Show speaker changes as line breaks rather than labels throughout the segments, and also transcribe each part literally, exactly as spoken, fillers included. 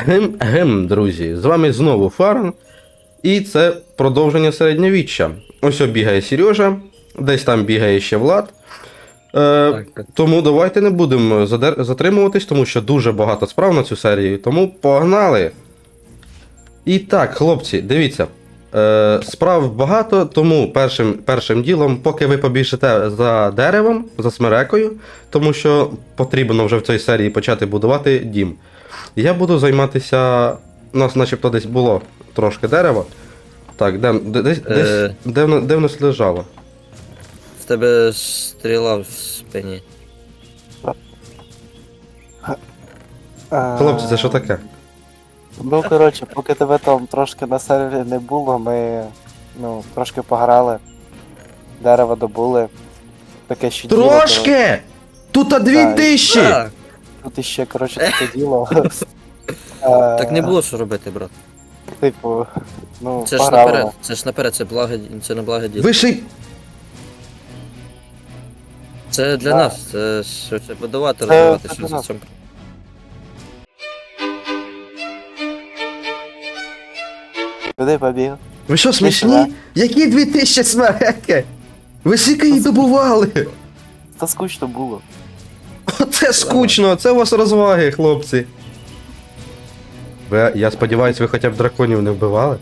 Гем, гем, друзі, з вами знову Фарн, і це продовження середньовіччя. Ось бігає Сережа, десь там бігає ще Влад. Е,
Так, так.
Тому давайте не будемо задер... затримуватись, тому що дуже багато справ на цю серію, тому погнали! І так, хлопці, дивіться. Е, справ багато, тому першим, першим ділом, поки ви побіжите за деревом, за смерекою, тому що потрібно вже в цій серії почати будувати дім. Я буду займатися. У нас начебто десь було трошки дерева. Так, де, де, десь,
Е.
десь, де, воно- де в нас лежало?
В тебе стріла в спині.
Хлопці, це що таке?
Ну, коротше, поки тебе там трошки на сервері не було, ми ну, трошки пограли. Дерево добули. Таке ще діло. коротше.
Трошки! Тут а дві
Так.
тисячі!
А,
Тут іще, коротше, таке діло.
так не було що робити, брат.
Типу, ну,
Це ж
пограли.
наперед, це ж наперед, це благо, це не благо діло.
Ви ще й.
Це для
Да.
нас, це ж це будувати,
Це-
розвивати,
це
що
для
за
нас.
цьому.
Куди побіг?
Ви що, смішні?
сюди.
Які дві тисячі смереки? Ви скільки її добували?
Та скучно було.
Оце скучно, це у вас розваги, хлопці. Ви, я сподіваюся, ви хоча б драконів не вбивали?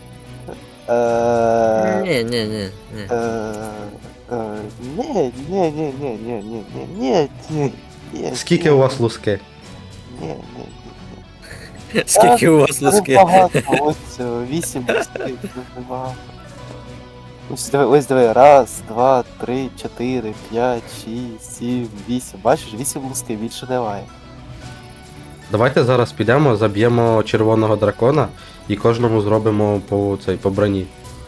Е,
Ні, ні, ні, ні.
е, е, Ні, ні, ні, ні, ні, ні, ні, ні, ні, ні.
Скільки у вас луски?
Ні, ні, ні.
Скільки у вас
Дуже
луски?
багато, ось е, вісім лусків, дуже багато. Ось диви, ось диви, раз, два, три, чотири, п'ять, шість, сім, вісім. Бачиш, вісім лусків, більше немає.
Давайте зараз підемо, заб'ємо червоного дракона і кожному зробимо по цей по броні.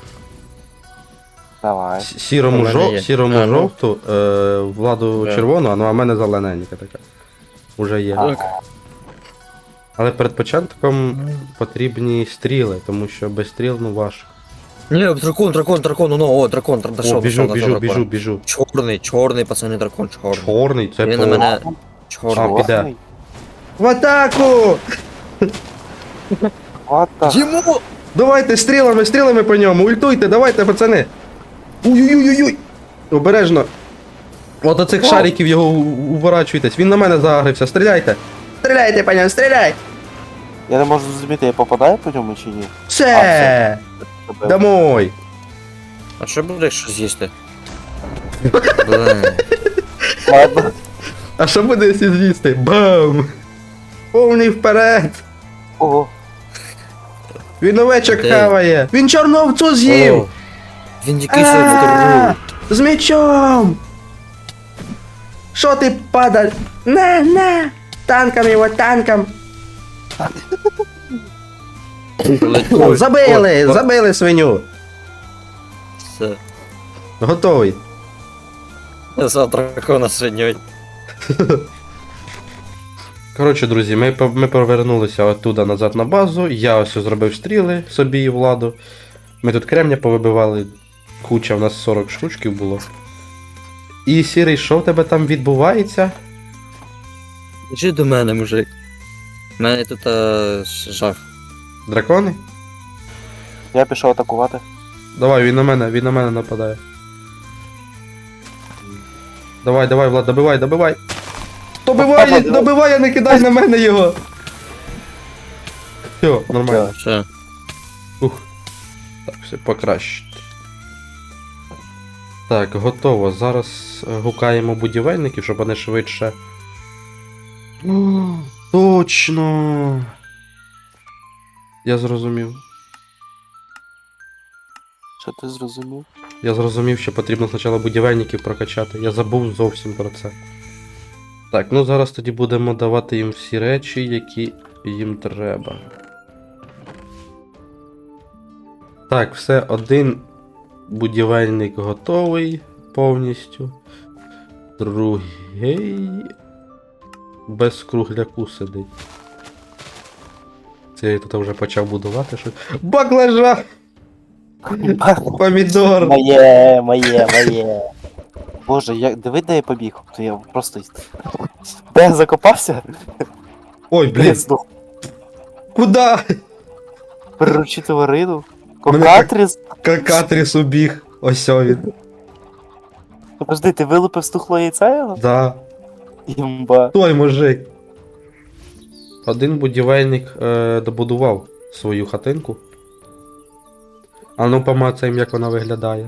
Давай.
С- Сірому,
У мене
жов...
є.
сірому
А, ну.
жовту, е... владу
Да.
червону, ну а в мене зелененька така. Уже є.
Так.
Але перед початком потрібні стріли, тому що без стріл ну важко.
Ні, дракон, дракон, дракон, ну, о, дракон,
О,
дошов,
біжу,
дошов,
біжу,
дошов,
біжу,
дракон.
біжу.
Чорний, чорний, пацани, дракон, чорний.
Чорний, це
Він
по...
на мене
А,
чорний.
піде.
Чорний.
В атаку!
What the...
Йому!
Давайте стрілами, стрілами по ньому, ультуйте, давайте, пацани. Уй-уй-уй-уй! Обережно. От оцих
О!
шариків його у- уворачуйтесь. Він на мене загрився. Стріляйте! Стріляйте по ньому, стріляй!
Я не можу зрозуміти, я попадаю по ньому чи ні?
Все!
Тебе-
Домой!
А що буде, якщо з'їсти? Блин.
Ладно.
А що буде, якщо з'їсти? Бам! Повний вперед!
Ого.
Він овечок
Де?
хаває! Він чорновцу з'їв!
О, Він якийсь
А,
второй.
з мечом! Що ти падаль? На, на! Танком його, танком! О, забили! Забили свиню!
Все.
Готовий.
Я за дракона сьогодні.
Коротше, друзі, ми, по- ми повернулися оттуда назад на базу. Я ось зробив стріли собі і владу. Ми тут кремня повибивали. Куча, у нас сорок штучків було. І сірий, що в тебе там відбувається?
Іди до мене, мужик. У мене тут а, жах.
Дракони?
Я пішов атакувати.
Давай, він на мене, він на мене нападає. Давай, давай, Влад, добивай, добивай. Добивай,
Давай,
добивай, а не кидай на мене його. Все, нормально.
Все.
Ух. Так, все покраще. Так, готово. Зараз е, гукаємо будівельників, щоб вони швидше. О, точно. Я зрозумів.
Що ти зрозумів?
Я зрозумів, що потрібно спочатку будівельників прокачати. Я забув зовсім про це. Так, ну зараз тоді будемо давати їм всі речі, які їм треба. Так, все, один будівельник готовий повністю. Другий без кругляку сидить. Це я тут вже почав будувати щось. Баклажан! Помідор!
Моє, моє, моє. Боже, я... диви, де я побіг. То я просто... Де я закопався?
Ой,
Де я
блін!
здох.
Куда?
Приручити тварину?
Мене
Кокатріс?
Какатріс убіг. Ось о він.
Подожди, ти вилупив стухло яйця його?
Да.
Імба.
Той мужик. Один будівельник е, добудував свою хатинку. А ну помацаємо, як вона виглядає.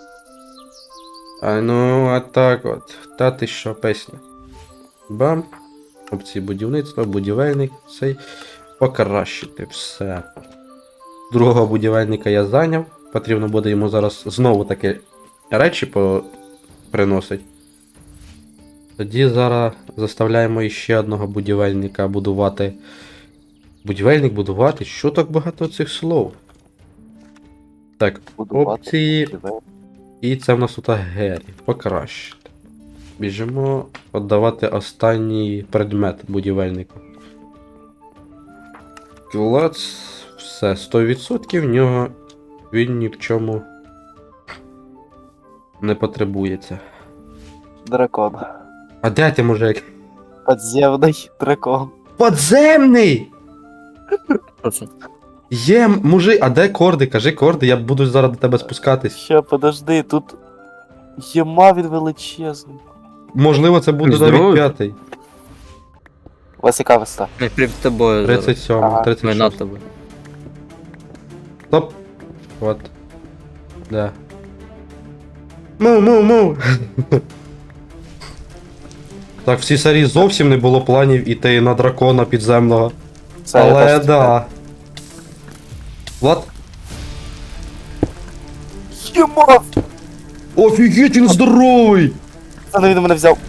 А ну, а так от. Та ти що, песня. Бам. Опції будівництва, будівельник, цей. Покращити все. Другого будівельника я зайняв. Потрібно буде йому зараз знову такі речі по... приносить. Тоді зараз заставляємо іще одного будівельника будувати. Будівельник будувати? Що так багато цих слов? Так,
Будувати.
опції. І це в нас тут Гері. Покращити. Біжимо віддавати останній предмет будівельнику. Клац. Все, сто відсотків в нього він ні в чому не потребується.
Дракон.
А де ти, мужик?
Подземний дракон.
Подземний!
Що це?
Є, мужик, а де корди? Кажи корди, я буду зараз до тебе спускатись.
Ще, подожди, тут єма він величезний.
Можливо, це буде
Здоровий?
навіть п'ятий.
У вас яка висота?
Ми прям з тобою зараз.
тридцять сьомий,
Ага.
тридцять
Ми над
шостий.
тобою.
Стоп. От. Да. Му, му, му. Так, в цій серії зовсім не було планів іти на дракона підземного.
Це я
Але
теж
да. Влад.
Єма!
Офігеть, він здоровий!
Це не він мене взяв.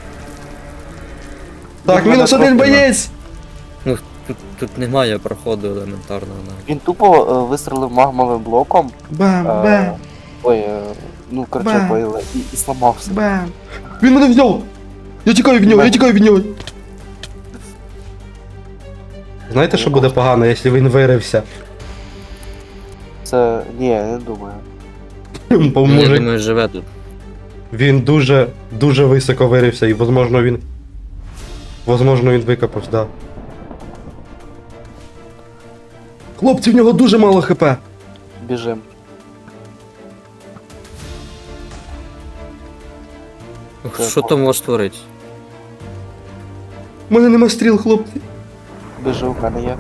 Так,
Він
мінус
мене
один
трохи-
боєць!
Ну, тут, тут немає проходу елементарного навіть.
Він тупо е, вистрелив магмовим блоком.
Бам,
Е,
бам,
Ой, е, ну короче,
Бам.
поїли, і, і сламався.
бам. Він мене взяв! Я тікаю від нього, я тікаю від нього! Знаєте, що буде погано, якщо він вирився?
Це. Ні, я не думаю.
Бо
Ну, я
мужик,
думаю, живе тут.
він дуже, дуже високо вирився і, возможно, він... Возможно, він викопався, да. Хлопці, в нього дуже мало хп.
Біжим.
Ух, Що там може створити?
У мене нема стріл, хлопці.
Біжу, в мене є.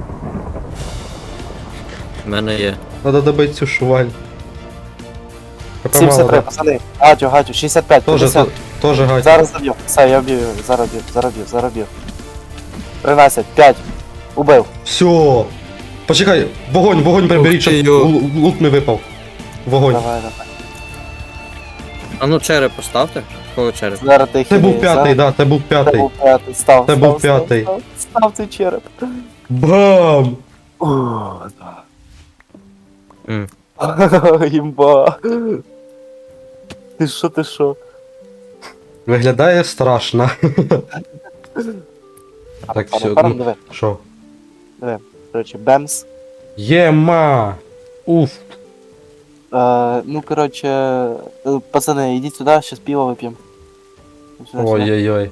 У мене є.
Надо добити цю шуваль. ХП мало,
сімдесят три,
да?
пацани. Гатю, гатю, шістдесят п'ять,
Тоже,
п'ятдесят.
то- тоже гать.
Зараз заб'ю. Все, я вб'ю, зараз б'ю, зараз б'ю, зараз б'ю. тринадцять, п'ять. Убив.
Все. Почекай, вогонь, вогонь приберіть, щоб
Ух ти, йо.
лу- лут не випав. Вогонь.
Давай, давай.
А ну череп поставте. Кого череп?
Зараз ти
Це був
хилий,
п'ятий,
зараз-
да, це був
Це
п'ятий.
був п'ятий, став,
Це
став,
був
став,
п'ятий.
Став, став цей череп.
Бам!
О, да.
М.
Імба. Ти що, ти що?
Виглядає страшно. Так,
Пане,
все,
пане,
ну,
диви,
що?
диви. Короче, бемс.
Єма! Уф.
Е, ну, короче, е, пацани, ідіть сюди, щас пиво вип'ємо. Сюди, сюди.
Ой-ой-ой.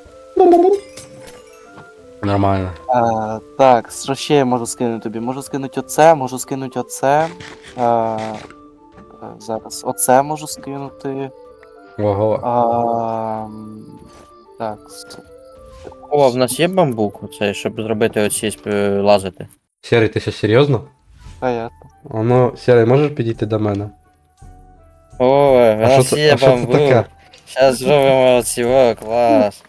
Нормально.
Е, так, що ще я можу скинути тобі? Можу скинути оце, можу скинути оце. Е, е, зараз оце можу скинути.
Ого.
А, м, так. с-
О, в нас є бамбук, оцей, щоб зробити оці е, лазити.
Серий, ти що, серйозно?
Понятно.
А ну, Серий, можеш підійти до мене?
О, в
А що
нас
це,
є
а що це
бамбук.
таке?
Зараз зробимо оці, о, клас.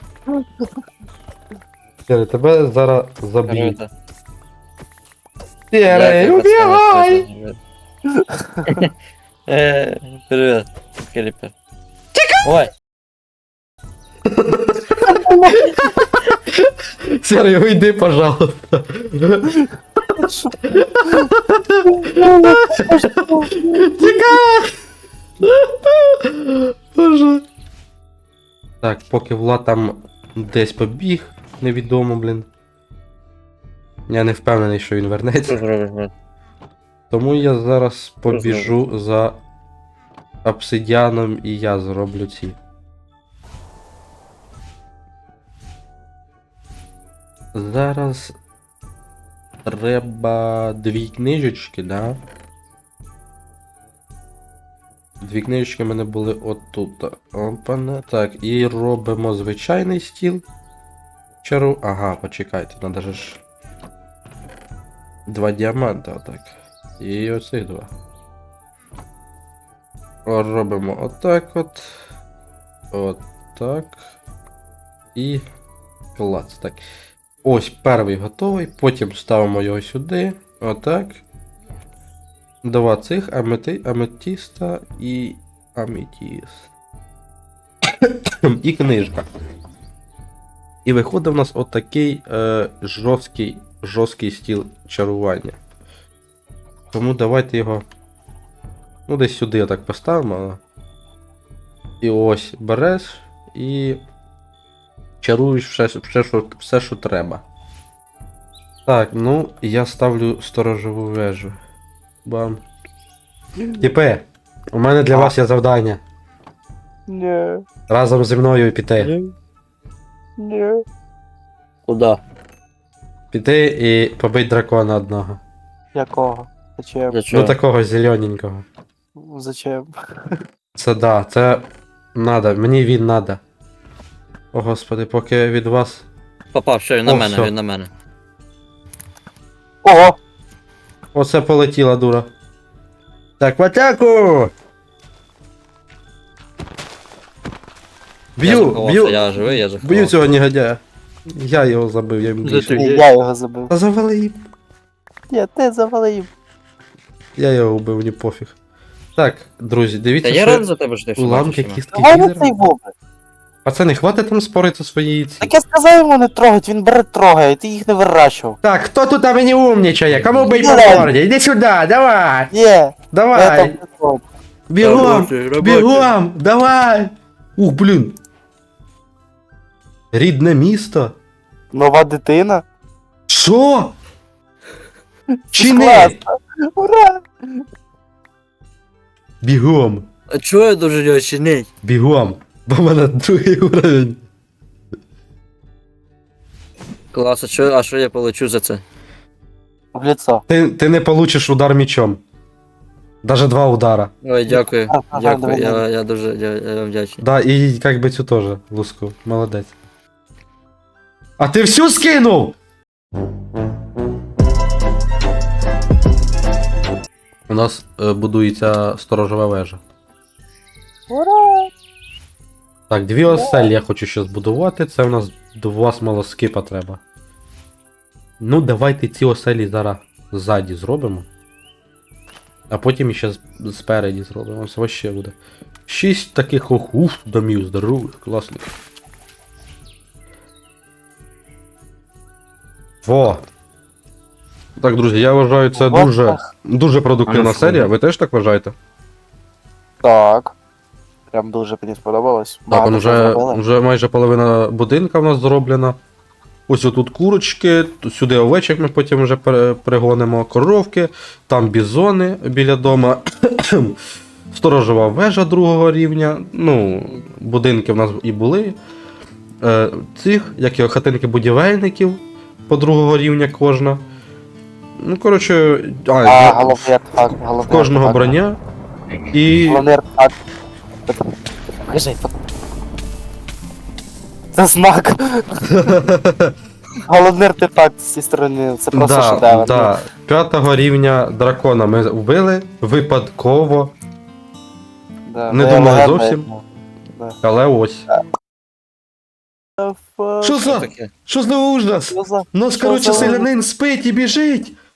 Серий, тебе зараз заб'ють.
Круто.
Серий,
Дякую,
убігай!
пацани, точно. Е, Привіт, Кріпер. Ой,
Серый, уйди, пожалуйста. Тікай! Боже. Так, поки Влад там десь побіг, невідомо, блін. Я не впевнений, що він
що
вернеться.
зробиш, брат?
Тому я зараз побіжу за обсидіаном і я зроблю ці. Зараз. треба дві книжечки, да? Дві книжечки в мене були отут. Опана. Так, і робимо звичайний стіл. Чару. Ага, почекайте, надо же ж. Два діаманта, отак. І оцих два. О, робимо отак от. Отак. І. Клац. Так. Ось перший готовий. Потім ставимо його сюди. Отак. Два цих амети... аметіста і аметіст. І книжка. І виходить в нас отакий е, жорсткий, жорсткий стіл чарування. Тому давайте його. Ну, десь сюди отак поставимо. І ось береш і чаруєш все, все, що, все, що треба. Так, ну, я ставлю сторожову вежу. Бам. Тіпе, у мене для
А.
вас є завдання.
Ні,
Разом зі мною піти.
ні.
Куда?
Піти і побити дракона одного.
Якого? Зачем?
Для чого?
Ну такого зелененького.
Зачем?
Це да, це надо, мені він надо. О господи, поки від вас.
Попав, що він на
О,
мене,
всьо.
він на мене.
Ого!
Оце полетіла дура. Так, в атаку!
Я
Б'ю,
заховався,
б'ю,
я живий, я
б'ю
заховався.
цього негодяя. Я його забив, я йому
За
більше.
ти-
Ні, я його забив.
Та завали їм.
Ні, ти завалив.
Я його вбив, мені пофіг. Так, друзі,
Та
дивіться,
я
що
радий за тебе, що ти все
уламки
бачиш. Іван.
кістки
Давай на
Гідера.
цей вовк.
Пацани, хватить там спорити свої ці.
Так я сказав йому не трогать, він бере трогає, ти їх не вирощував.
Так, хто тут а мені умнічає? Кому бить по
Давай.
морді? Іди сюди, давай!
Ні, я
Давай!
там не трогаю.
Бігом!
Робочий, робочий.
Бігом! Давай! Ух, блін! Рідне місто?
Нова дитина.
Що? Чи
Це
не?
класно. Ура!
Бігом!
А чого я дуже його чинить?
Бігом! Бо в мене другий уровень.
Клас, а що, а що я получу за це?
В лицо.
Ти, ти не получиш удар мечом. Даже два удара.
Ой, дякую,
Ага, ага,
дякую,
давай,
я,
давай.
я дуже я, я вам вдячний.
Да, і як би цю теж, луску. Молодець. А ти всю скинув? У нас е, будується сторожова вежа.
Ура!
Так, дві оселі я хочу ще збудувати. Це в нас два смолоскипа треба. Ну, давайте ці оселі зараз ззаді зробимо. А потім ще з- спереді зробимо. Ось вообще буде. Шість таких ох, уф, домів здорових, класних. Во! Так, друзі, я вважаю, це
Вот
дуже,
так.
дуже продуктивна
А ну,
серія.
фу.
Ви теж так вважаєте?
Так. Прям дуже мені сподобалось.
Так,
Багато
он
чого
вже,
зробили.
вже майже половина будинка в нас зроблена. Ось отут курочки, т- сюди овечок ми потім вже пере- пригонимо, коровки, там бізони біля дома, сторожова вежа другого рівня. Ну, будинки в нас і були. Е, цих, як його, хатинки будівельників по другого рівня кожна. Ну, коротше, а,
А,
я-
головний артефакт,
в
головний
кожного
артефакт.
броня. І.
Головний артефакт. Покажи, фото. Це знак. Головний артефакт з цієї сторони, це просто
Да,
шедевр.
да. П'ятого рівня дракона ми вбили випадково,
Да,
Не
моя
думали
легенда,
зовсім.
да.
але ось.
Фа-
Що
Що
за?
таке?
Що за ужас?
Що за-
Нас,
Що
коротше,
за
селянин спить і біжить.